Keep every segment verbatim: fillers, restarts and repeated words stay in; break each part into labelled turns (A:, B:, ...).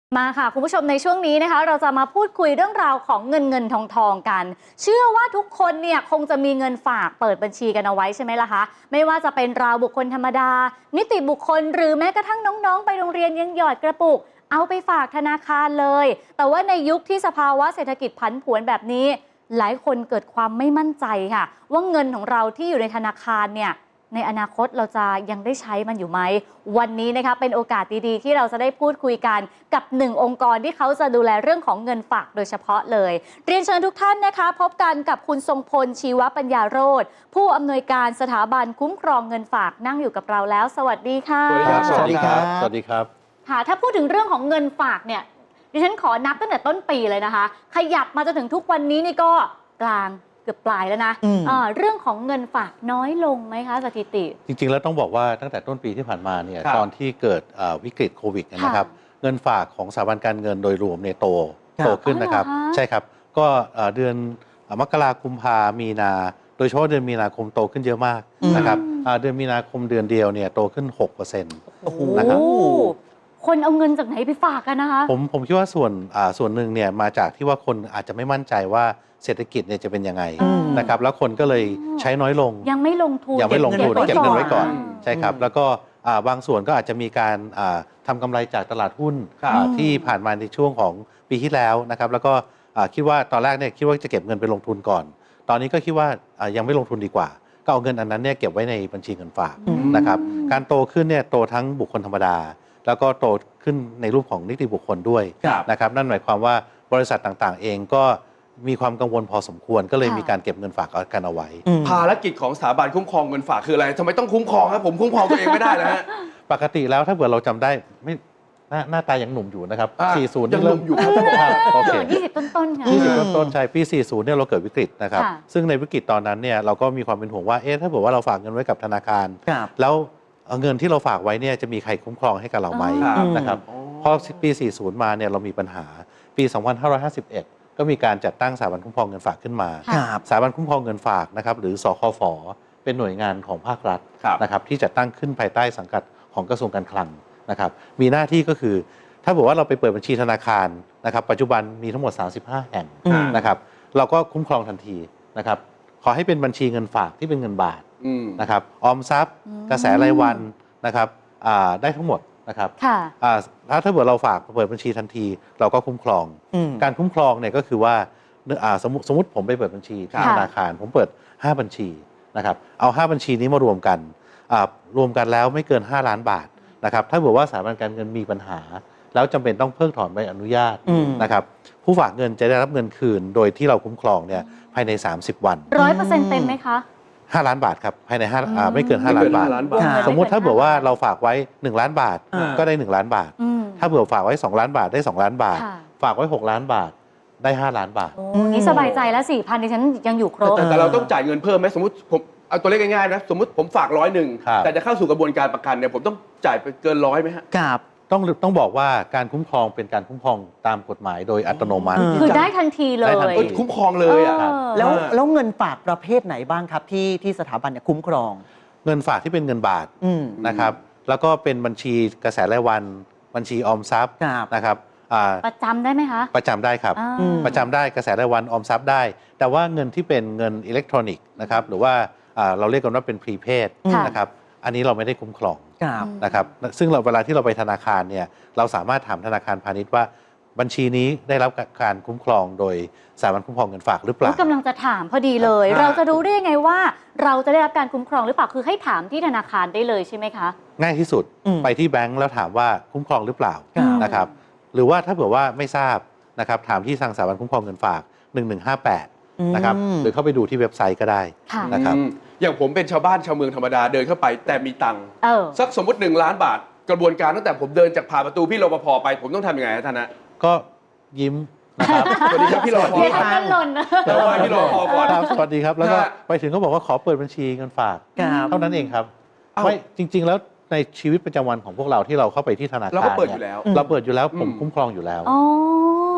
A: มาค่ะคุณผู้ชมในช่วงนี้นะคะเราจะมาพูดคุยเรื่องราวของเงินเงินทองทองกันเชื่อว่าทุกคนเนี่ยคงจะมีเงินฝากเปิดบัญชีกันเอาไว้ใช่ไหมล่ะคะไม่ว่าจะเป็นราวบุคคลธรรมดานิติบุคคลหรือแม้กระทั่งน้องๆไปโรงเรียนยังหยอดกระปุกเอาไปฝากธนาคารเลยแต่ว่าในยุคที่สภาวะเศรษฐกิจผันผวนแบบนี้หลายคนเกิดความไม่มั่นใจค่ะว่าเงินของเราที่อยู่ในธนาคารเนี่ยในอนาคตเราจะยังได้ใช้มันอยู่ไหมวันนี้นะคะเป็นโอกาสดีๆที่เราจะได้พูดคุยกันกับหนึ่งองค์กรที่เขาจะดูแลเรื่องของเงินฝากโดยเฉพาะเลยเรียนเชิญทุกท่านนะคะพบกันกับคุณทรงพลชีวปัญญาโรจน์ผู้อำนวยการสถาบันคุ้มครองเงินฝากนั่งอยู่กับเราแล้วสวัสดีค่ะ
B: สวัสดีครับสวัสดีครับ
A: ค่ะถ้าพูดถึงเรื่องของเงินฝากเนี่ยดิฉันขอนับตั้งแต่ต้นปีเลยนะคะขยับมาจนถึงทุกวันนี้นี่ก็กลางเกือบปลายแล้วนะเรื่องของเงินฝากน้อยลงไหมคะสถิติ
B: จริงๆแล้วต้องบอกว่าตั้งแต่ต้นปีที่ผ่านมาเนี่ยตอนที่เกิดวิกฤตโควิดนะครับเงินฝากของสถาบันการเงินโดยรวมเนี่ยโตโตขึ้นนะครับใช่ครับก็เดือนมกราคมกุมภามีนาโดยเฉพาะเดือนมีนาคมโตขึ้นเยอะมากนะครับเดือนมีนาคมเดือนเดียวเนี่ยโตขึ้น หกเปอร์เซ็นต์ นะครับ
A: คนเอาเงินจากไหนไปฝากกันนะคะ
B: ผมผมคิดว่าส่วนส่วนหนึ่งเนี่ยมาจากที่ว่าคนอาจจะไม่มั่นใจว่าเศรษฐกิจเนี่ยจะเป็นยังไงนะครับแล้วคนก็เลยใช้น้อยลง
A: ยังไม่ลงทุน
B: ยังไม่ลงทุนเก็บเงินไว้ก่อนใช่ครับแล้วก็บางส่วนก็อาจจะมีการทำกำไรจากตลาดหุ้นที่ผ่านมาในช่วงของปีที่แล้วนะครับแล้วก็คิดว่าตอนแรกเนี่ยคิดว่าจะเก็บเงินไปลงทุนก่อนตอนนี้ก็คิดว่ายังไม่ลงทุนดีกว่าก็เอาเงินอันนั้นเนี่ยเก็บไว้ในบัญชีเงินฝากนะครับการโตขึ้นเนี่ยโตทั้งบุคคลธรรมดาแล้วก็โตขึ้นในรูปของนิติบุคคลด้วยนะครับนั่นหมายความว่าบริษัทต่างๆเองก็มีความกังวลพอสมควรก็เลยมีการเก็บเงินฝากกันเอาไว้
C: ภารกิจของสถาบันคุ้มครองเงินฝากคืออะไรทำไมต้องคุ้มครองครับผมคุ้มครองตัวเองไม่ได้แล้วฮะ
B: ปกติแล้วถ้าเกิดเราจำได้ไม่หน้าหน้าตายังหนุ่มอยู่นะครับสี่สิบ
C: ยังหนุ่มอยู่ครับ
B: โอเค
A: ยี่สิบต้นๆค่ะ
B: ยี่สิบต้นๆใช่ปีสี่สิบเนี่ยเราเกิดวิกฤตนะครับซึ่งในวิกฤตตอนนั้นเนี่ยเราก็มีความเป็นห่วงว่าเอ๊ะถ้าเกิดว่าเราฝากเงินไว้กับธนาคารแล้วเงินที่เราฝากไว้เนี่ยจะมีใครคุ้มครองให้กับเราไหมนะครับพอปีสี่สิบมาเนี่ยเรามีปัญหาปีสองพันห้าร้อยห้าสิบเอ็ดก็มีการจัดตั้งสถาบันคุ้มครองเงินฝากขึ้นมาสถาบันคุ้มครองเงินฝากนะครับหรือสคฝ.เป็นหน่วยงานของภาครัฐนะครับที่จัดตั้งขึ้นภายใต้สังกัดของกระทรวงการคลังนะครับมีหน้าที่ก็คือถ้าบอกว่าเราไปเปิดบัญชีธนาคารนะครับปัจจุบันมีทั้งหมดสามสิบห้าแห่งนะครับเราก็คุ้มครองทันทีนะครับขอให้เป็นบัญชีเงินฝากที่เป็นเงินบาทนะครับออมทรัพย์กระแสรายวันนะครับได้ทั้งหมดนะครับถ้าถ้าเกิดเราฝากเปิดบัญชีทันทีเราก็คุ้มครองการคุ้มครองเนี่ยก็คือว่าสมมติสมมติผมไปเปิดบัญชีที่ธนาคารผมเปิดห้าบัญชีนะครับเอาห้าบัญชีนี้มารวมกันรวมกันแล้วไม่เกินห้าล้านบาทนะครับถ้าเกิดว่าสถาบันการเงินมีปัญหาแล้วจำเป็นต้องเพิกถอนใบอนุญาตนะครับผู้ฝากเงินจะได้รับเงินคืนโดยที่เราคุ้มครองเนี่ยภายในสามสิบวัน
A: ร้อยเปอร์เซ็นต์ เต็มไหมคะ
B: ห้าล้านบาทครับภายในห้าไม่เกินห้าล้านบาทสมมุติถ้าเผื่อว่าเราฝากไว้หนึ่งล้านบาทก็ได้หนึ่งล้านบาทถ้าเผื่อฝากไว้สองล้านบาทได้สองล้านบาทฝากไว้หกล้านบาทได้ห้าล้านบาท
A: โอ้นี่สบายใจแล้ว สี่พัน ดิฉันยังอยู่ครบ
C: แต่เราต้องจ่ายเงินเพิ่มไหมสมมติผมเอาตัวเลขง่ายๆนะสมมติผมฝากร้อยหนึ่งแต่จะเข้าสู่กระบวนการประกันเนี่ยผมต้องจ่ายไปเกินร้อยไหมฮะ
B: ครับต้องต้องบอกว่าการคุ้มครองเป็นการคุ้มครองตามกฎหมายโดยอัตโนมัติ
A: คือได้ทันทีเลย
C: คุ้มครองเลยอ่ะ
D: แล้วแล้วเงินฝากประเภทไหนบ้างครับที่ที่สถาบันเนี่ยคุ้มครอง
B: เงินฝากที่เป็นเงินบาทนะครับแล้วก็เป็นบัญชีกระแสรายวันบัญชีออมทรัพย์นะครับ
A: ประจำได้ไหมคะ
B: ประจำได้ครับประจำได้กระแสรายวันออมทรัพย์ได้แต่ว่าเงินที่เป็นเงินอิเล็กทรอนิกส์นะครับหรือว่าเราเรียกกันว่าเป็นพรีเพดนะครับอันนี้เราไม่ได้คุ้มครองนะครับซึ่งเราเวลาที่เราไปธนาคารเนี่ยเราสามารถถามธนาคารพาณิชย์ว่าบัญชีนี้ได้รับการคุ้มครองโดยสถาบันคุ้มครองเงินฝากหรือเปล่าก
A: ำลังจะถามพอดีเลยเราจะรู้ได้ยังไงว่าเราจะได้รับการคุ้มครองหรือเปล่าคือให้ถามที่ธนาคารได้เลยใช่ไหมคะ
B: ง่ายที่สุดไปที่แบงก์แล้วถามว่าคุ้มครองหรือเปล่านะครับหรือว่าถ้าเผื่อว่าไม่ทราบนะครับถามที่ทางสถาบันคุ้มครองเงินฝากหนึ่งหนึ่งห้าแปดนะครับหรือเข้าไปดูที่เว็บไซต์ก็ได้นะครับ
C: อย่างผมเป็นชาวบ้านชาวเมืองธรรมดาเดินเข้าไปแต่มีตังค์สักสมมติหนึ่งล้านบาทกระบวนการตั้งแต่ผมเดินจากผ่านประตูพี่รปภไปผมต้องทำยังไงท่านนะ
B: ก็ยิ้มนะครับ
C: สวัสดีครับพี่รปภ
A: ครับหล่น
C: แล้วไปพี่รปภก่อน
B: สวัสดีครับแล้วก็ไปถึงก็บอกว่าขอเปิดบัญชีเงินฝากเท่านั้นเองครับไม่จริงๆแล้วในชีวิตประจำวันของพวกเราที่เราเข้าไปที่ธนาคาร
C: เราก็เปิดอยู่แล้ว
B: เราเปิดอยู่แล้วผมคุ้มครองอยู่แล้ว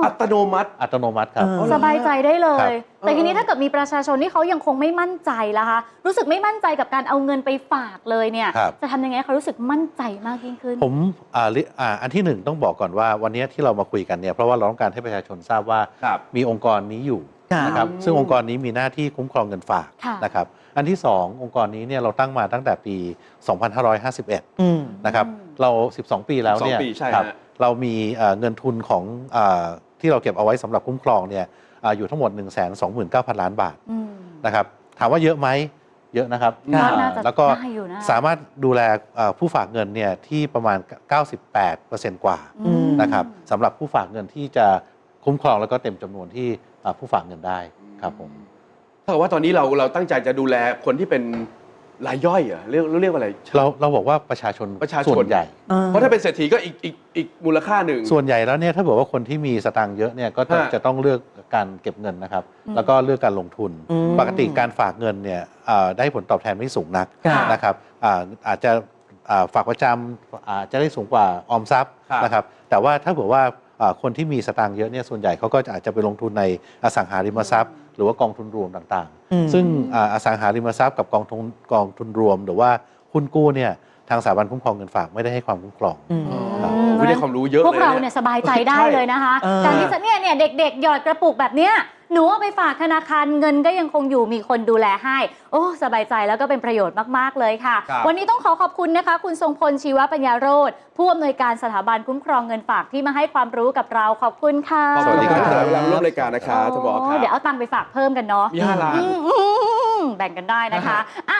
C: อัตโนมัติ
B: อัตโนมัติครับ
D: เออ
A: สบายใจได้เล
B: ครั
A: ย
B: บ
A: แต่ทีนี้ถ้าเกิดมีประชาชนที่เขายังคงไม่มั่นใจล่ะคะ รู้สึกไม่มั่นใจกับการเอาเงินไปฝากเลยเนี่ย
B: ครับ
A: จะทำยังไงให้เขารู้สึกมั่นใจมากยิ่งขึ้น
B: ผมอ่าลิอ่าอันที่หนึ่งต้องบอกก่อนว่าวันนี้ที่เรามาคุยกันเนี่ยเพราะว่าเราต้องการให้ประชาชนทราบว่า
C: ครับ
B: มีองค์กรนี้อยู่
D: ครับ
B: นะครับ
C: อืม
B: ซึ่งองค์กรนี้มีหน้าที่คุ้มครองเงินฝาก
A: ค่ะ
B: นะครับอันที่สององค์กรนี้เนี่ยเราตั้งมาตั้งแต่ปี สองพันห้าร้อยห้าสิบเอ็ด
D: อืม
B: นะครับ
A: อืม
B: เรา สิบสอง ปีแล้วเนี่ย
C: สิบสองปีใช่
B: ครับ
C: ฮะ
B: เรามีเอ่อเงินทุนของเอ่อที่เราเก็บเอาไว้สำหรับคุ้มครองเนี่ยอ่าอยู่ทั้งหมด หนึ่งแสนสองหมื่นเก้าพัน ล้านบาท
A: อืม
B: นะครับถามว่าเยอะไหมเยอะนะครับ
C: ก็
B: อ่า
A: น่าจะ
B: แล้วก็
A: ได้อยู่นะ
B: สามารถดูแลเอ่อผู้ฝากเงินเนี่ยที่ประมาณ เก้าสิบแปดเปอร์เซ็นต์ กว่า
A: อืม
B: นะครับสำหรับผู้ฝากเงินที่จะคุ้มครองแล้วก็เต็มจำนวนที่อ่าผู้ฝากเงินได้ครับผม
C: ถ้าเกิดว่าตอนนี้เราเราตั้งใจจะดูแลคนที่เป็นรายย่อยเหรอเรียกเรียกว่าอะไร
B: เราเราบอกว่าประชาชน
C: ประชาชน
B: ส่วนใหญ่
C: เพราะถ้าเป็นเศรษฐีก็อีกอีกอีกมูลค่าหนึ่ง
B: ส่วนใหญ่แล้วเนี่ยถ้าบอกว่าคนที่มีสตางค์เยอะเนี่ยก็จะ
C: ฮะ
B: จะต้องเลือกการเก็บเงินนะครับ
A: อืม
B: แล้วก็เลือกการลงทุน
D: อืม
B: ปกติการฝากเงินเนี่ยอ่าได้ผลตอบแทนไม่สูงนัก
D: ครับ
B: นะครับอ่าอาจจะอ่าฝากประจำอาจจะได้สูงกว่าออมทรัพย์
C: ครับ
B: นะครับแต่ว่าถ้าบอกว่าอ่าคนที่มีสตางค์เยอะเนี่ยส่วนใหญ่เขาก็จะอาจจะไปลงทุนในอสังหาริมทรัพย์ หรือว่ากองทุนรวมต่าง
D: อืม
B: ๆ ซึ่งอ่าอสังหาริมทรัพย์กับกองทุนกองทุนรวม หรือว่าหุ้นกู้เนี่ยทางสถาบันคุ้มครองเงินฝากไม่ได้ให้ความคุ้มครอง
D: อืม
C: อ๋อไม่ได้ความรู้เยอะ
A: พวก
C: เลย
A: เรา
C: เนี่ย
A: เนี่ยสบายใจได้เลยนะคะ
D: เออ
A: การที่จะเนี่ยเนี่ยเด็กๆ หยอดกระปุกแบบเนี้ยหนูเอาไปฝากธนาคารเงินก็ยังคงอยู่มีคนดูแลให้ โอ้สบายใจแล้วก็เป็นประโยชน์มากๆเลยค่ะ
C: ครับ
A: วันนี้ต้องขอขอบคุณนะคะ คุณทรงพลชีวปัญญาโรธผู้อำนวยการสถาบันคุ้มครองเงินฝากที่มาให้ความรู้กับเราขอบคุณค่ะ
C: ขอบ
B: สวั
C: คุณ
B: สดี
C: ค
B: ครั
C: รับบ เวลาร่วมรายการนะครับท่านผอค
A: โอ้
C: รับ
A: เดี๋ยวเอาตังค์ไปฝากเพิ่มกันเนาะ
C: มีห้าล้าน
A: อืมแบ่งกันได้นะคะ